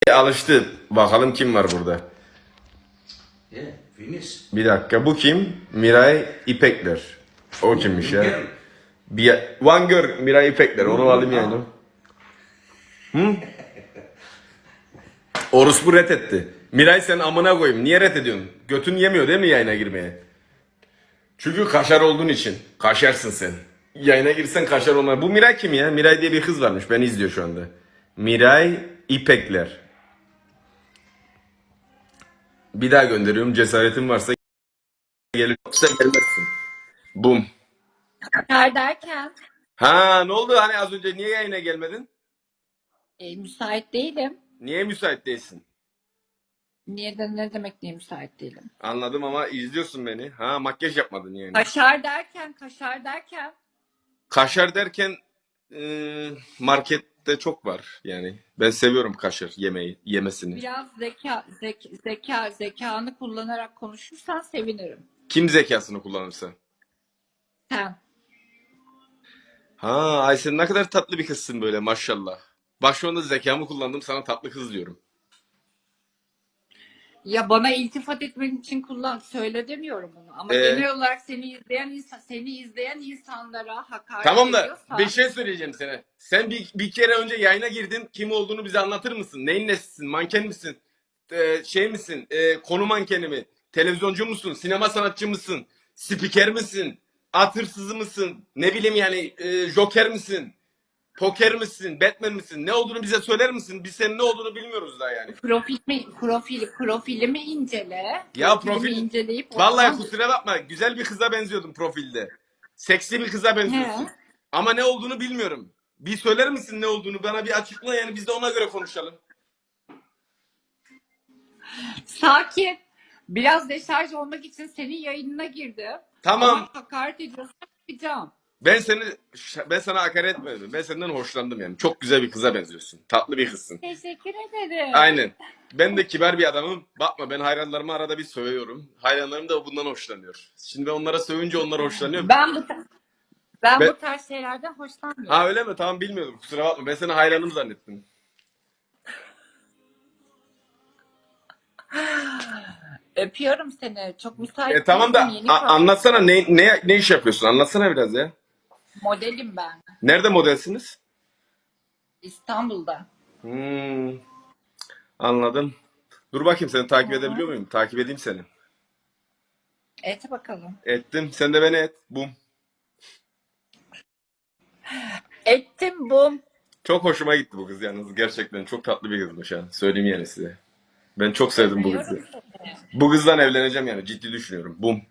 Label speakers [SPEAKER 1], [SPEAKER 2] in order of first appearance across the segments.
[SPEAKER 1] Alıştı. Bakalım kim var burada. Bir dakika, bu kim? Miray İpekler. O kimmiş ya? One Girl, Miray İpekler. Onu alayım yani. Hı? Orospu reddetti. Miray sen amına koyayım. Niye reddediyorsun? Götün yemiyor değil mi yayına girmeye? Çünkü kaşar olduğun için. Kaşarsın sen. Yayına girsen kaşar olmaz. Bu Miray kim ya? Miray diye bir kız varmış. Beni izliyor şu anda. Miray İpekler. Bir daha gönderiyorum. Cesaretin varsa gelir. Yoksa gelmezsin. Bum.
[SPEAKER 2] Kaşar derken
[SPEAKER 1] Ha, ne oldu? Hani az önce niye yayına gelmedin?
[SPEAKER 2] müsait değilim.
[SPEAKER 1] Niye müsait değilsin?
[SPEAKER 2] Niye de ne demek niye müsait değilim?
[SPEAKER 1] Anladım ama izliyorsun beni. Ha, makyaj yapmadın yani.
[SPEAKER 2] Kaşar derken
[SPEAKER 1] Kaşar derken markette çok var yani. Ben seviyorum kaşar yemesini.
[SPEAKER 2] biraz zekanı kullanarak konuşursan sevinirim.
[SPEAKER 1] Kim zekasını kullanırsa?
[SPEAKER 2] Sen.
[SPEAKER 1] Ha, ay sen ne kadar tatlı bir kızsın böyle maşallah. Bak şu anda zekamı kullandım, sana tatlı kız diyorum.
[SPEAKER 2] Ya bana iltifat etmen için söyle demiyorum bunu. Ama genel olarak seni izleyen insanlara hakaret
[SPEAKER 1] Tamam da
[SPEAKER 2] ediyorsa
[SPEAKER 1] bir şey söyleyeceğim sana. Sen bir kere önce yayına girdin. Kim olduğunu bize anlatır mısın? Neyin nesisin? Manken misin? Şey misin? Konu mankeni mi? Televizyoncu musun? Sinema sanatçı mısın? Spiker misin? At hırsızı mısın? Ne bileyim yani, Joker misin? Poker misin? Batman misin? Ne olduğunu bize söyler misin? Biz senin ne olduğunu bilmiyoruz daha yani.
[SPEAKER 2] profilimi incele.
[SPEAKER 1] Ya
[SPEAKER 2] Profilimi inceleyip
[SPEAKER 1] vallahi kusura bakma, güzel bir kıza benziyordun profilde. Seksi bir kıza benziyorsun.
[SPEAKER 2] He.
[SPEAKER 1] Ama ne olduğunu bilmiyorum. Bir söyler misin ne olduğunu? Bana bir açıkla yani, biz de ona göre konuşalım.
[SPEAKER 2] Sakin. Biraz deşarj olmak için senin yayınına girdim.
[SPEAKER 1] Tamam.
[SPEAKER 2] Ama hakaret ediyorsan yapacağım.
[SPEAKER 1] Ben sana hakaret etmedim. Ben senden hoşlandım yani. Çok güzel bir kıza benziyorsun. Tatlı bir kızsın.
[SPEAKER 2] Teşekkür ederim.
[SPEAKER 1] Aynen. Ben de kibar bir adamım. Bakma, ben hayranlarımı arada bir sövüyorum. Hayranlarım da bundan hoşlanıyor. Şimdi ben onlara sövünce onlar hoşlanıyor.
[SPEAKER 2] Ben bu tarz şeylerden hoşlanmıyorum.
[SPEAKER 1] Ha, öyle mi? Tamam, bilmiyordum. Kusura bakma. Ben seni hayranım zannettim.
[SPEAKER 2] Öpüyorum seni. Çok müsait
[SPEAKER 1] Tamam da
[SPEAKER 2] değilim.
[SPEAKER 1] anlatsana, ne iş yapıyorsun? Anlatsana biraz ya.
[SPEAKER 2] Modelim ben.
[SPEAKER 1] Nerede modelsiniz?
[SPEAKER 2] İstanbul'da.
[SPEAKER 1] Anladım. Dur bakayım, seni takip edebiliyor muyum? Takip edeyim seni.
[SPEAKER 2] Et bakalım.
[SPEAKER 1] Ettim. Sen de beni et. Bum.
[SPEAKER 2] Ettim bu.
[SPEAKER 1] Çok hoşuma gitti bu kız yalnız. Gerçekten çok tatlı bir kızmış ha. Söyleyeyim yani size. Ben çok sevdim bu kızı.
[SPEAKER 2] Öpüyorum seni.
[SPEAKER 1] Bu kızdan evleneceğim yani. Ciddi düşünüyorum. Bum.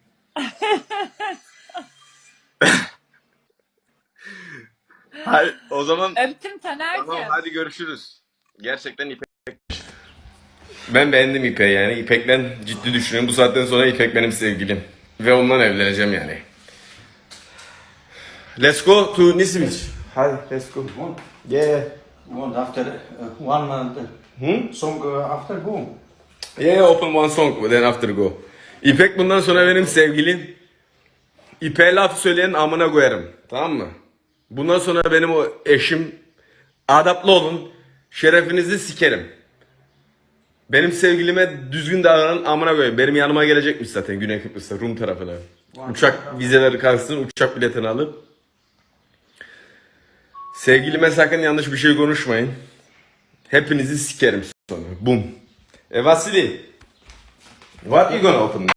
[SPEAKER 1] Hadi, o zaman
[SPEAKER 2] Öptüm Taner'cim.
[SPEAKER 1] tamam, hadi görüşürüz. Gerçekten İpek. Ben beğendim İpek'i yani. İpek'le ciddi düşünüyorum. Bu saatten sonra İpek benim sevgilim. Ve ondan evleneceğim yani. Let's go to Nisimic. Hadi let's go. Yeah.
[SPEAKER 3] One after one song after go.
[SPEAKER 1] Yeah, open one song then after go. İpek bundan sonra benim sevgilim. İpek'e laf söyleyen amına koyarım. Tamam mı? Bundan sonra benim o eşim. Adaplı olun. Şerefinizi sikerim. Benim sevgilime düzgün davranan amına koyayım. Benim yanıma gelecekmiş zaten Güney Kıbrıs'ta, Rum tarafına. Uçak vizeleri kalsın, uçak biletini alıp. Sevgilime sakın yanlış bir şey konuşmayın. Hepinizi sikerim sonra. Bum. Vasily. What you gonna open?